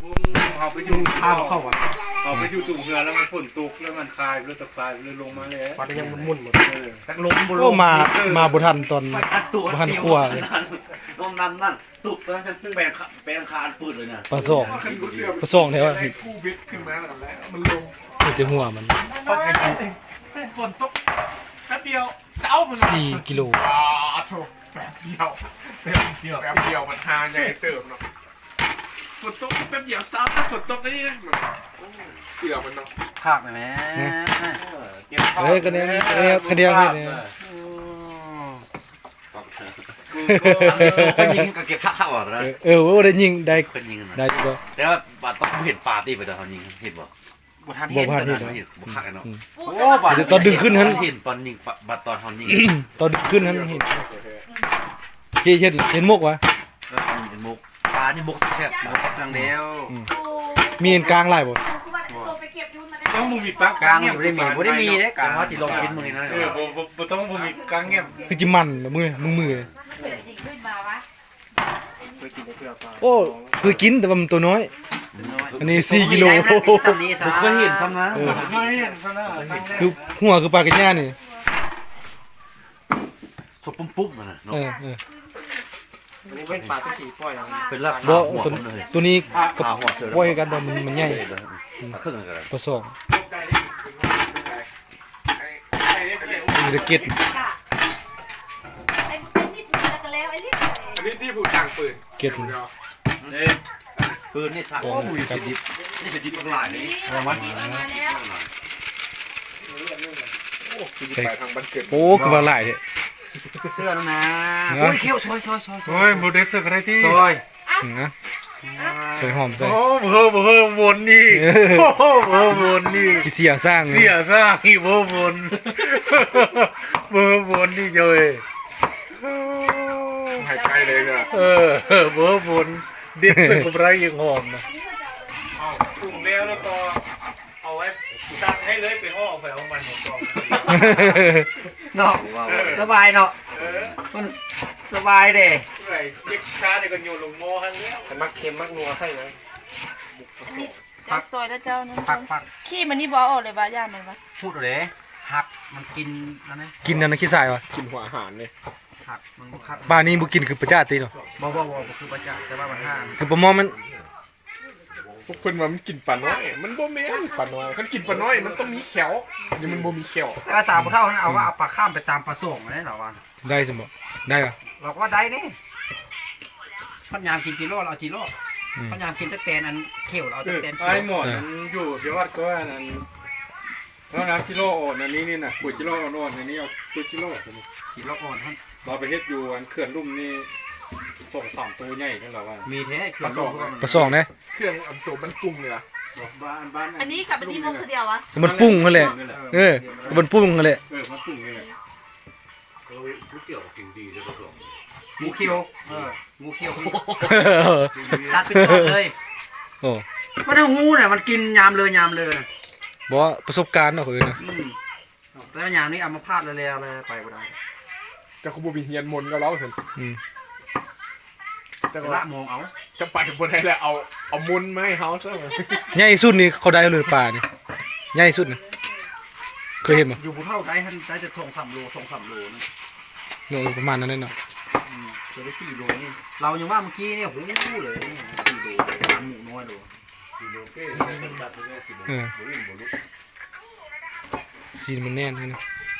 เอาไปอยู่ข้าวเข้าอ่ะเอาไปอยู่ตุ่มเรือแล้วมันฝนตกแล้วมันคายเรือตะคายเรือลงมาเลยปลายังมุ่นหมดลงก็มาบุทันตอนบุทันขั้วลมนั่นตุกตอนนั้นแปลงคานปืดเลยนะปลาสองแถวกู้บิดขึ้นมาแล้วมันลงมันจะหัวมันฝนตกแป๊บเดียวเสามัน 4 กิโลโถแป๊บเดียวมันหาใหญ่เติมเนาะฝนตกแป๊บเดียวเสาถ้าฝนตกนี่นะเสือมันเนาะภาคไหมกันเดียวเนี่ยยิงก็เก็บข้าวอ่ะนะว่าได้ยิงได้ก็แต่ว่าบาดต้องเห็นปาตีไปแต่เขายิงเห็นบ่บ่ทันเห็นบ่คักเนาะโอ้บาดตอนดึงขึ้นนั้นเห็นตอนยิงบาดตอนเขายิงตอนดึงขึ้นนั้นเห็นเห็นมุกวะเห็นมุกปลานี่มุกแซ่บมุกสังเดียวมีกลางลายบ่ต้องมีปลากลางบ่ได้มีเด้กลางว่าสิลองกินมื้อนี้นะบ่ต้องมีกลางแง่คือจิมันมือโอ้คือกินแต่ว่ามันตัวน้อยอันนี้4 กิโลบ่เคยเห็นซ้ำนะคือหัวคือปลากระย่านี่สบปุ๊บๆน่ะเนาะนี่เป็นปลาที่สีปล่อยเป็นลาบหัวตัวนี้กับปล่อยกันแต่มันใหญ่ครึ่งกันปลาสองมีตะเกียบอันนี้ที่ผู้ต่างปืนเกียบปืนนี่สักโอ้ยเป็นดิบนี่เป็นดิบหลายนี่มันไปทางบ้านเกิดโอ้คือว่าหลายเนี่ยเสื้อนะโอ้ยเขี้ยวซอยโอ้ยโมเดลสึกอะไรที่ซอยนะใส่หอมใส่โอ้เพิ่มวนนี่โอ้เพิ่มวนนี่เสียสร้างอีเพิ่มวนนี่เยอะหายใจเลยเนี่ยเพิ่มวนเด็ดสึกกับไรยังหอมนะเอาปรุงแล้วก็เอาไว้ซักให้เลยไปห่อไปเอามันหมดกองเนาะสบายเนาะมันสบายเด้เด็กช้าเด็กก็โยนลงหม้อให้แล้วมักเค็มมักนัวให้เลยจะซอยแล้วเจ้านั่นขี้มันนี่บอกออกเลยบ้าย่ามันวะพูดเลยหักมันกินแล้วนะกินนั่นขี้ทรายวะกินหัวอาหารเลยหักมันหักบ้านนี้บุกินคือประจาตีเนาะบ่คือประจาแต่ว่ามันห้าคือประมอมันพวกเพิ่นว่ามันกินปลาน้อยมันบ่แม่นปลาน้อยคันกินปลาน้อยมันต้องมีเขียวนี่มันบ่มีเขียวภาษาบ่เท่านั้นเอาว่าเอาปลาข้ามไปตามปลาส่งได้เหรอวะได้สมบ่ได้เหรอเราก็ได้นี่พันยามกินจิโร่เราจิโร่พันยามกินตะแตนอันเขียวเราตะแตนไอ้หมดมันอยู่ที่วัดก็นั่นแล้วนะกิโลอ่อนอันนี้นี่นะปุ๋ยกิโลอ่อนอันนี้เอาปุ๋ยกิโลอ่อนท่านเราไปเฮ็ดอยู่อันเขื่อนลุ่มนี่ส่ง2ตัวใหญ่กันแล้วว่ามีแท้ปลาสองนะเครื่องอันตัวมันปรุงเลยล่ะอันนี้กับอันนี้มุกเดียววะมันปุ้งนั่นแหละมันปุ้งนั่นแหละมันปรุงนี่แหละก๋วยเตี๋ยวกินดีเลยปลาสองงูเขียวตัดเป็นต้นเลยโอ้มันเอางูเนี่ยมันกินยามเลยบอกว่าประสบการณ์เนาะคือนะแล้วยามนี้เอามาพาดเลยไปบ่ได้จะขบวนเฮียนมนก็เล่าสิจะละมองเอาจะไปบนไหนแล้วเอามุนมาให้เขาซะใหญ่สุดนี่เขาได้เลยป่านี่ใหญ่สุดนะเคยเห็นมั้ยอยู่ภูเท่าได้จะ2-3 โลนะโลประมาณนั้นเนาะจะได้4 โลนี่เรายังว่าเมื่อกี้เนี่ยโหเลย4 โลร้านหมูน้อยโล4 โลเก้ซีนมันแน่นนะ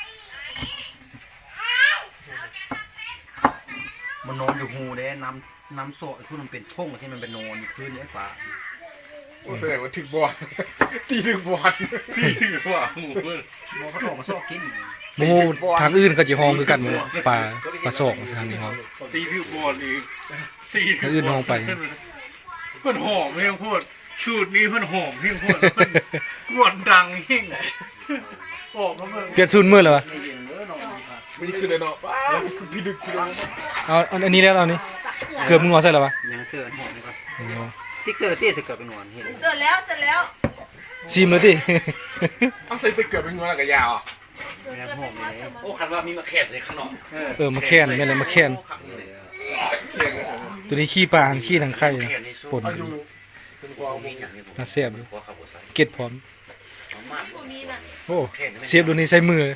มันนอนอยู่หูเด้น้ำโซ่คือมันเป็นพงที่มันเป็นนอนอยู่พื้นเนี่ยป่าโอ้แสดงว่าถึงบอลตีถึงบอลหมูเขาตอกมาโซ่กินหมูทางอื่นเขาจะห้องคือกันหมูปลาสอกทางนี้ห้องตีถึงบอลอีกทางอื่นห้องไปเพื่อนหอมเพียงพูดสูตรนี้เพื่อนหอมเพียงพูดกวนดังยิ่งเปลี่ยนสูตรเมื่อไหร่วะไม่ได้ขึ้นเลยเนาะพี่ดึกเอาอันนี้แล้วเอานี้เกือบมึงงอใส่แล้ววะยังเสื้อหอมนี่ก่อนติ๊กเสื้อเตี้ยเกือบเป็นงอนเห็นเสร็จแล้วชิมเลยดิเอาใส่ไปเกือบเป็นงอนกับยาวโอ้คันว่ามีมาแค่ในขนมมาแค่นไม่เลยมาแค่นตัวนี้ขี้ปลาขี้ทางไข่ปนน่าเสียบเลยหัวขับหัวใส่เก็ดพร้อมบ่มีน่ะโอ้เสียบดูนี่ใส่มือ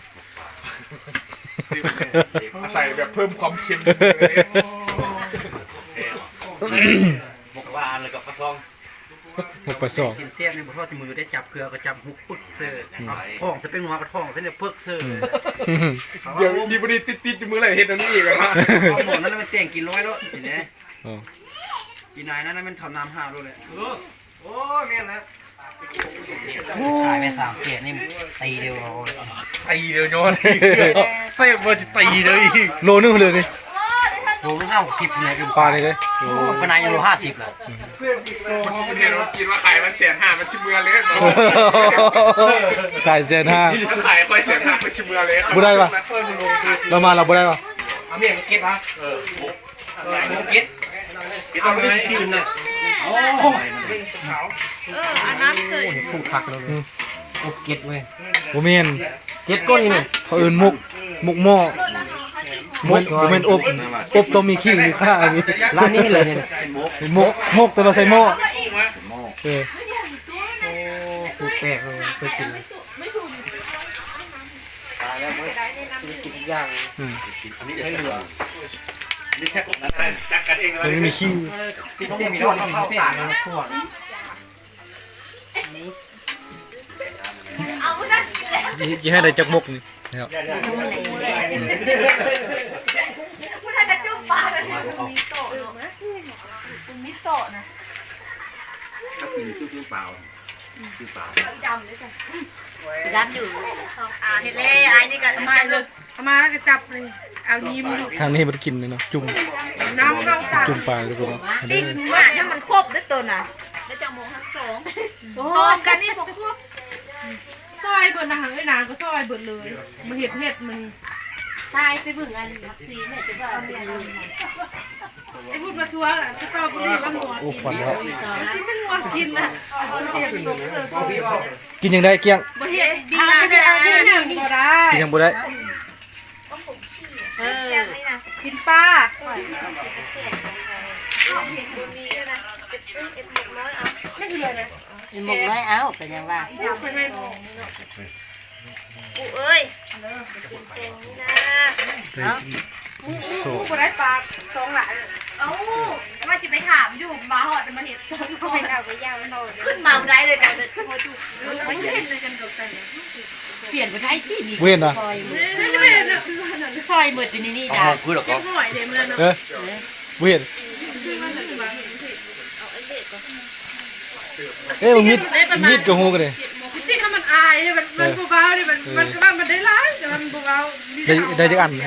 ใส่แบบเพิ่มความเค็มหมกว่าอันเลยกับกระซองหกปลาสองกินเสี้ยนในบ่ทอดที่มือได้จับเกลือก็จับหุบปึ๊กเซ่ท้องจะเป็นหัวกระท้องเส้นเนี่ยปึ๊กเซ่เดี๋ยวดีบดีติดๆมืออะไรเห็นอันนี้อีกอ่ะเอาหมดนั้นมันแต่งกินร้อยแล้วสิเนี่ยอ๋อกินนายนั้นมันทำน้ำห้าด้วยเลยโอ้เมียนแล้วขายไป3เสี้ยนนี่ตีเดียวเราตีเดี๋ยวย้อนเซฟมาจะตีเลยอีกโลนึงเลยนี่โลลูก50เลยปลานี่เลยปนายยังโล50เลยมันเห็นว่ากินว่าขายมัน150,000มันชิมเมือเลยขายเซนห้าถ้าขายค่อย150,000มันชิมเมือเลยบ่ได้ปะเรามาเราบ่ได้ปะเอาเมียก็เก็บฮะเก็บเอาไปคืนน่ะอันนั้นเสยผู้คักแล้วเลยอบเก็บเว้ยบ่แม่นเก็บก้นนี่เขาเอิ้นมุกหม้อบ่แม่นอบต้มมีขิงมีข่ามีร้านนี้เลยเนี่ยมกแต่ว่าใส่หม้อเออถูกแปลกเลยเคยกินเลยกินทุกอย่างอันนี้จะใช่เหรอนี่แค่นั้นจักกันเองอะไรมันมีขิงที่ต้องมีร้อนข้าวสารนะทั่วเอานั่นจะให้ได้จักมกนี่นะครับผู้ท่านจะจุ่มปลาเลยมีโตะเนาะมีโตะนะถ้ากินชื่อเปล่าชื่อเปล่าจำเลยจ้ะยัดอยู่เห็ดเล่ไอ้นี่ก็มาเลยเอามาแล้วก็จับเลยเอานี้มือทางนี้มันกินเลยเนาะจุ่มน้ำเข้าตาจุ่มปลาทุกคนเนาะติ๊กว่าถ้ามันครบด้วยตัวน่ะแล้วจังโมงทั้งสองต้มกันนี่พวกซอยเบิดนะหังไอ้นางก็ซอยเบิดเลยมันเห็ดมันตายไปบึ่งอันซีเนี่ยจะว่าไอ้พูดมาทัวร์สตอเบอรี่กับหัวโอ้ฝันแล้วที่เป็นหัวกินน่ะเห็ดลงเออกินยังได้เกี้ยงบ่เห็ดดีนะได้เอาที่หนึ่งก็ได้กินยังบ่ได้กินปลาหมกน้อยเอาเป็นยังว่ากูเอ้ยโซกูได้ปลาสองหลายเอ้าว่าจะไปถามอยู่มาหอดมาเห็นต้นไปเอาไปย่างมันขึ้นมาได้เลยกันเลยไม่เห็นเลยกันดอกกันเปลี่ยนไปได้ที่มีเว้นนะฉันไม่เห็นนะคือขนาดซอยหมดอยู่นี่อ๋จ้ะอคุยหรอกเก็บหอยเดี๋ยวมันเนาะเออเว้นซื้อมันถึงมาเอ้ยมันมีดกับหูกันเลยที่ถ้ามันอายเนี่ยมันเบาๆเนี่ยมันก็ว่ามันได้ร้ายแต่มันเบาๆได้จักอันนี่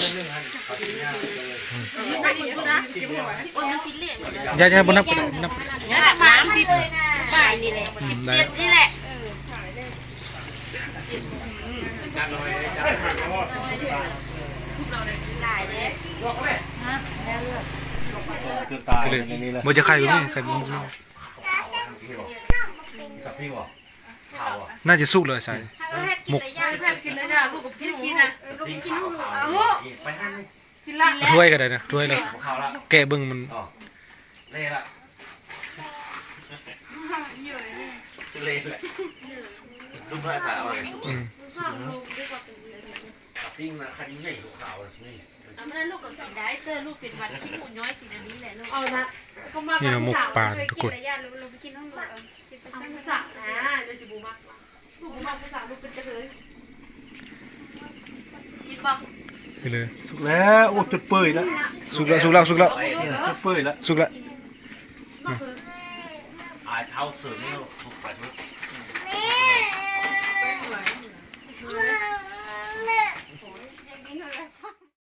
ไม่ดีนะเก็บหอยอย่าบ่นับก็ได้นับเนี่ยประมาณ10บ่ายนี่แหละ17นี่แหละก็เลยบ่จะใครบ่มีใครบ่มีกับพี่บอกข่าวอ่ะน่าจะสุกเลยใส่หมกแพทย์กินเลยจ้ะลูกกับพี่กินนะพี่ข่าวข่าวไปให้กินละถ้วยก็ได้นะถ้วยแล้วข่าวละแกะเบิ่งมันอ๋อเล่ละเล่ละซุปอะไรใส่อะไรปิ้งมาคันนี้ใหญ่ขาวนี่เอามาลูกกินได้เตอลูกเป็นวันขี้หมูน้อยสิอันนี้แหละลูกเอาละก็มานี่นะหมกปลาทุกคนเราไปกินน้ำหมูเอาภาษานะเดี๋ยวสิบูมากลูกบูมากภาษาลูกเป็นกระเทยกินบ่ไปเลยสุกแล้วโอ้จุดเปื่อยแล้วสุกแล้วสุกแล้วสุกแล้วจุดเปื่อยแล้วสุกแล้วอ่าเท้าเสือนี่ถูกไปทุก